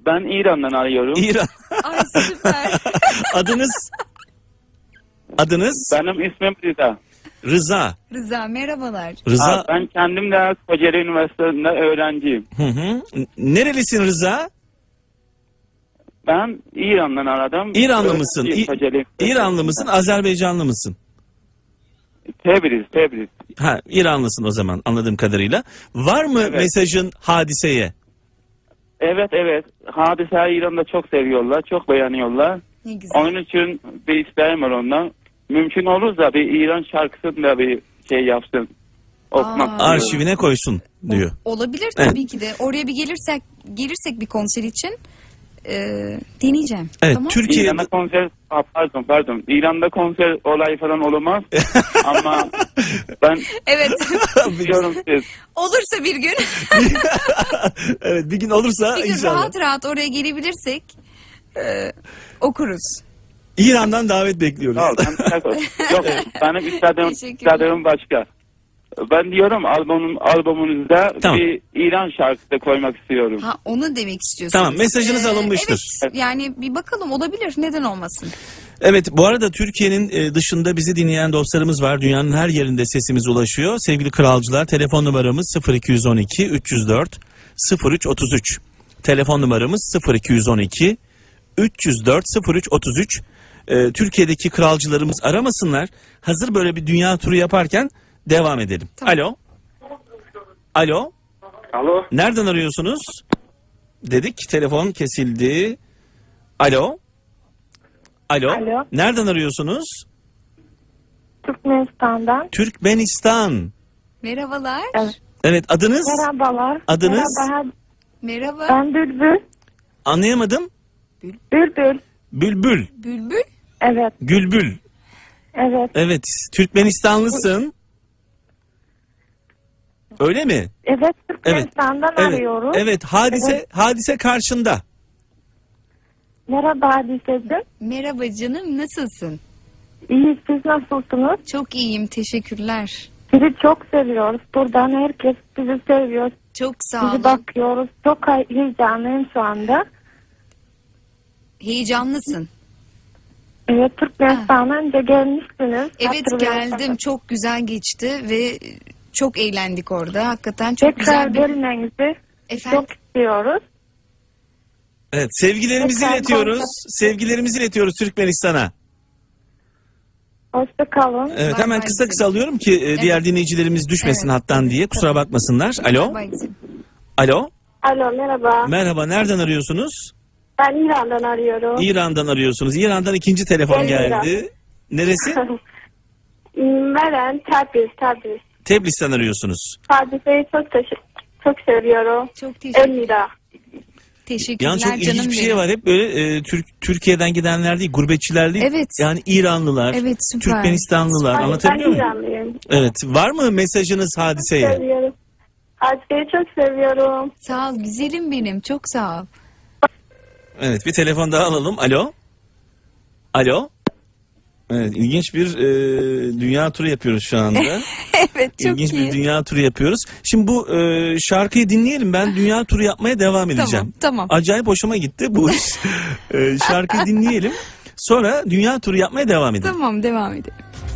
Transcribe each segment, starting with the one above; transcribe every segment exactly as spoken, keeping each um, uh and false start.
Ben İran'dan arıyorum. İran. Ay süper. Adınız? Adınız? Benim ismim Rıza. Rıza. Rıza merhabalar. Rıza. Ha, ben kendim de Kocaeli Üniversitesi'nde öğrenciyim. Hı hı. Nerelisin Rıza? Ben İran'dan aradım. İranlı mısın? İ- Kocaeli İranlı mısın? Azerbaycanlı mısın? Tebriz, Tebriz. Ha, İranlısın o zaman anladığım kadarıyla. Var mı Evet. mesajın Hadise'ye? Evet evet. Hadise'yi İran'da çok seviyorlar. Çok beğeniyorlar. Ne güzel. Onun için bir isteğim var ondan. Mümkün olursa bir İran şarkısını da bir şey yapsın. Okumak Aa. istiyorum. Arşivine koysun diyor. Olabilir tabii ki de. Oraya bir gelirsek gelirsek bir konser için e, deneyeceğim. Evet, Tamam. Türkiye İran'da konser, ah, pardon pardon. İran'da konser olayı falan olmaz. Ama ben Evet. diyorum siz. Olursa bir gün evet, bir gün olursa bir gün inşallah. rahat rahat oraya gelebilirsek e, okuruz. İran'dan davet bekliyoruz. Sağ ol, ben teşekkür ederim. Yok benim istediğim, Teşekkürler. istediğim başka. Ben diyorum albümün albümünüzde Tamam. bir İran şarkısı koymak istiyorum. Ha onu demek istiyorsunuz. Tamam, mesajınız alınmıştır. Evet yani bir bakalım olabilir neden olmasın. Evet, bu arada Türkiye'nin e, dışında bizi dinleyen dostlarımız var. Dünyanın her yerinde sesimiz ulaşıyor. Sevgili kralcılar, telefon numaramız sıfır iki on iki üç yüz dört sıfır üç otuz üç. Telefon numaramız sıfır iki on iki üç yüz dört sıfır üç otuz üç. E, Türkiye'deki kralcılarımız aramasınlar. Hazır böyle bir dünya turu yaparken devam edelim. Tamam. Alo. Alo. Alo. Nereden arıyorsunuz? Dedik, telefon kesildi. Alo. Alo. Alo. Nereden arıyorsunuz? Türkmenistan'dan. Türkmenistan. Merhabalar. Evet. Evet, adınız? Merhabalar. Adınız? Merhaba. Merhaba. Ben Bülbül. Anlayamadım. Bülbül. Bülbül. Bülbül. Evet. Gülbül. Evet. Evet, Türkmenistanlısın. Öyle mi? Evet. Türkmenistan'dan Evet. arıyoruz. Evet, hadise Evet. hadise karşında. Merhaba Hadise'cim. Merhaba canım nasılsın? İyi, siz nasılsınız? Çok iyiyim teşekkürler. Sizi çok seviyoruz. Buradan herkes sizi seviyor. Çok sağ Sizi olun. bakıyoruz. Çok heyecanlıyım şu anda. Heyecanlısın. Evet, Türkmenistan'dan önce gelmişsiniz. Evet Hatırlıyorsanız. geldim çok güzel geçti ve çok eğlendik orada. Hakikaten çok Tekrar güzel bir... gelmenizi Efendim? çok istiyoruz. Evet, sevgilerimizi Tekrar iletiyoruz. konuşalım. Sevgilerimizi iletiyoruz Türkmenistan'a. Hoşça kalın. Evet, Bay hemen bay kısa güzelim. kısa alıyorum ki e, diğer dinleyicilerimiz düşmesin Evet, hattan evet, diye. Kusura tabii. bakmasınlar. Alo. Bay güzelim. Alo. Alo, merhaba. Merhaba, nereden arıyorsunuz? Ben İran'dan arıyorum. İran'dan arıyorsunuz. İran'dan ikinci telefon Evet, geldi. Neresi? Meren, Tabriz, Tabriz. Tebriz'ten arıyorsunuz. Hadiseyi çok teşekkür, çok seviyorum. Çok teşekkür, Elmira. teşekkürler Yani çok canım ilginç bir şey benim. var. Hep böyle e, Türk Türkiye'den gidenler değil, gurbetçiler değil. Evet. Yani İranlılar, Evet, süper. Türkmenistanlılar. Ay, Anlatabiliyor ben muyum? İranlıyım. Evet. Var mı mesajınız Hadise'ye? Seviyorum. Hadiseyi çok seviyorum. Sağ ol güzelim benim çok sağ ol. Evet, bir telefon daha alalım. Alo. Alo. Evet, ilginç bir e, dünya turu yapıyoruz şu anda. Evet çok İlginç iyi. bir dünya turu yapıyoruz. Şimdi bu e, şarkıyı dinleyelim. Ben dünya turu yapmaya devam edeceğim. Tamam, tamam. Acayip hoşuma gitti bu iş. e, şarkıyı dinleyelim. Sonra dünya turu yapmaya devam edelim. Tamam devam edelim.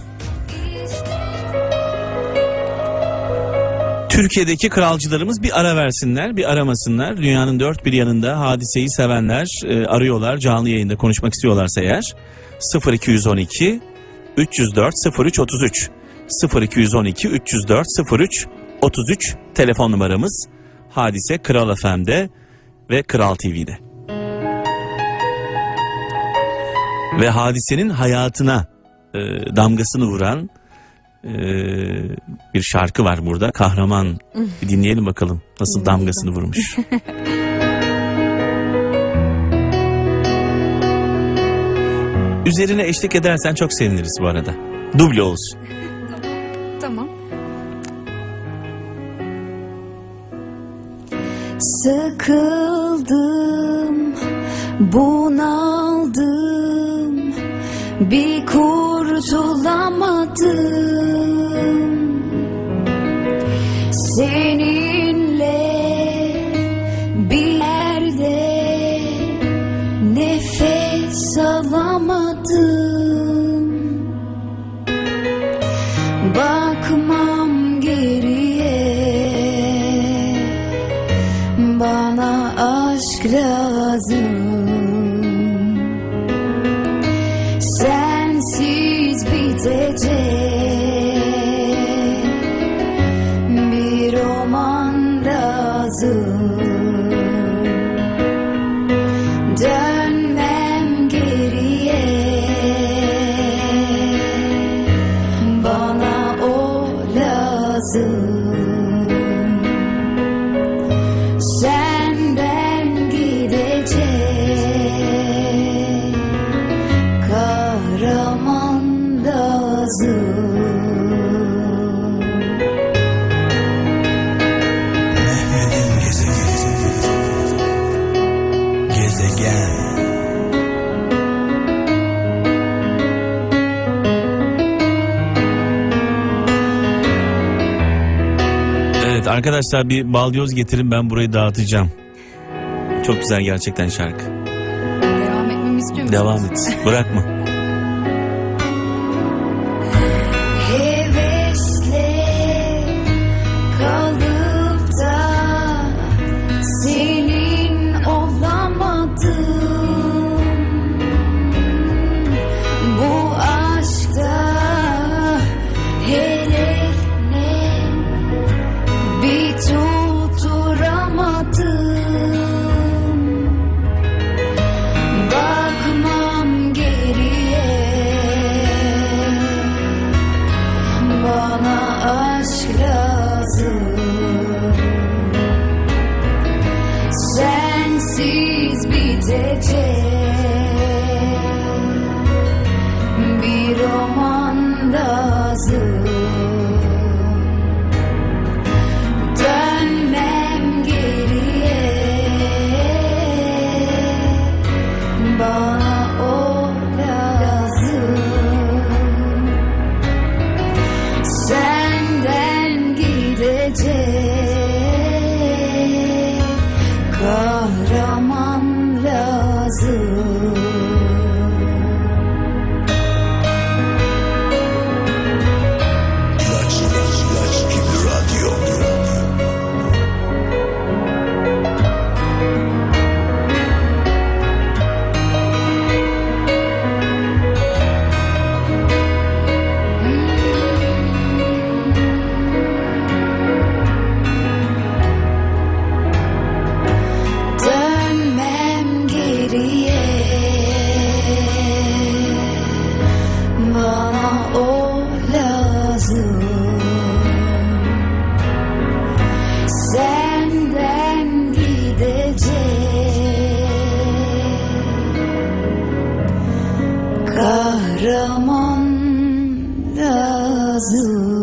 Türkiye'deki kralcılarımız bir ara versinler, bir aramasınlar. Dünyanın dört bir yanında Hadise'yi sevenler e, arıyorlar. Canlı yayında konuşmak istiyorlarsa eğer. sıfır iki on iki üç yüz dört sıfır üç otuz üç sıfır iki on iki üç yüz dört sıfır üç otuz üç telefon numaramız. Hadise Kral F M'de ve Kral T V'de. Ve Hadise'nin hayatına e, damgasını vuran e, bir şarkı var burada. Kahraman. Bir dinleyelim bakalım nasıl damgasını vurmuş. Üzerine eşlik edersen çok seviniriz bu arada. Duble olsun. Tamam. Sıkıldım, bunaldım, bir kurtulamadım. Seninle bir yerde olamadım. Bakmam geriye, bana aşk lazım. Sensiz bitecek bir roman lazım. Dönmem geriye, bana o lazım. Senden gidecek kahraman lazım. Mehmet'in gezegeni. Gezegen. Evet arkadaşlar, bir balyoz getirin, ben burayı dağıtacağım. Çok güzel gerçekten şarkı. Devam etmemi istiyor musunuz? Devam et. Bırakma. Hevesle kalıp da senin olamadım. Bu aşkta hedef ne, bir tutturamadım. Bakmam geriye, bana aşk lazım. Sensiz bitecek bir roman lazım. Dönmem geriye, bana o lazım. Senden gidecek kahraman lazım. İlaç, ilaç, ilaç gibi radyo. Dönmem geriye, bana o lazım. Senden gidecek kahraman lazım.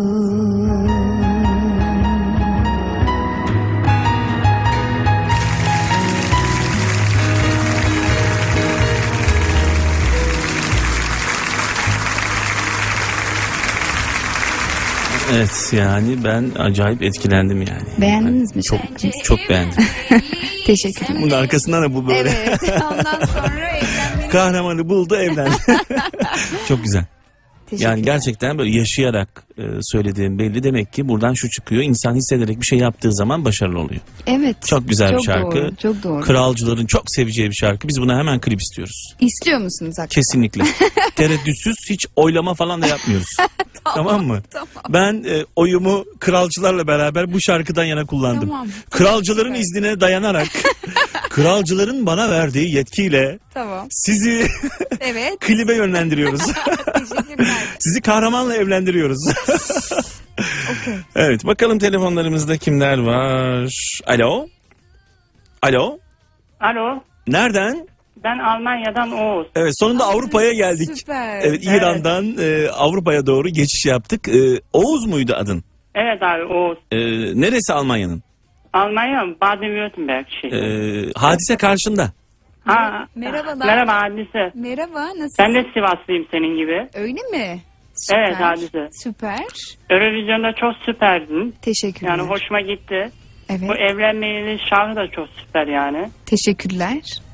Evet, yani ben acayip etkilendim yani. Beğendiniz mi Çok şarkıyı? çok beğendim. Teşekkür ederim. Bunun arkasından da bu böyle. Evet. Ondan sonra evlenmenin... Kahramanı buldu, evlendi. Çok güzel. Teşekkür Yani ederim. gerçekten böyle yaşayarak e, söylediğim belli. Demek ki buradan şu çıkıyor: İnsan hissederek bir şey yaptığı zaman başarılı oluyor. Evet. Çok güzel bir şarkı. Doğru, çok doğru. Kralcıların çok seveceği bir şarkı. Biz buna hemen klip istiyoruz. İstiyor musunuz hakikaten? Kesinlikle. Tereddütsüz, hiç oylama falan da yapmıyoruz. tamam mı? Tamam. Ben e, oyumu kralcılarla beraber bu şarkıdan yana kullandım. Tamam. Kralcıların Süper. iznine dayanarak, kralcıların bana verdiği yetkiyle Tamam. sizi Evet. klibe yönlendiriyoruz. Teşekkürler. Sizi kahramanla evlendiriyoruz. Okay. Evet, bakalım telefonlarımızda kimler var? Alo? Alo? Alo, Nereden? ben Almanya'dan Oğuz. Evet, sonunda Avrupa'ya geldik. Süper. Evet, İran'dan e, Avrupa'ya doğru geçiş yaptık. E, Oğuz muydu adın? Evet abi Oğuz. E, neresi Almanya'nın? Almanya Baden-Württemberg E, şehri. hadise karşında. Ha, Merhabalar. Merhaba Hadise. Merhaba, nasılsın? Ben de Sivaslıyım senin gibi. Öyle mi? Süper. Evet, Hadise. Süper. Eurovision'da çok süperdin. Teşekkürler. Yani hoşuma gitti. Evet. Bu evlenmeyle şarkı da çok süper yani. Teşekkürler.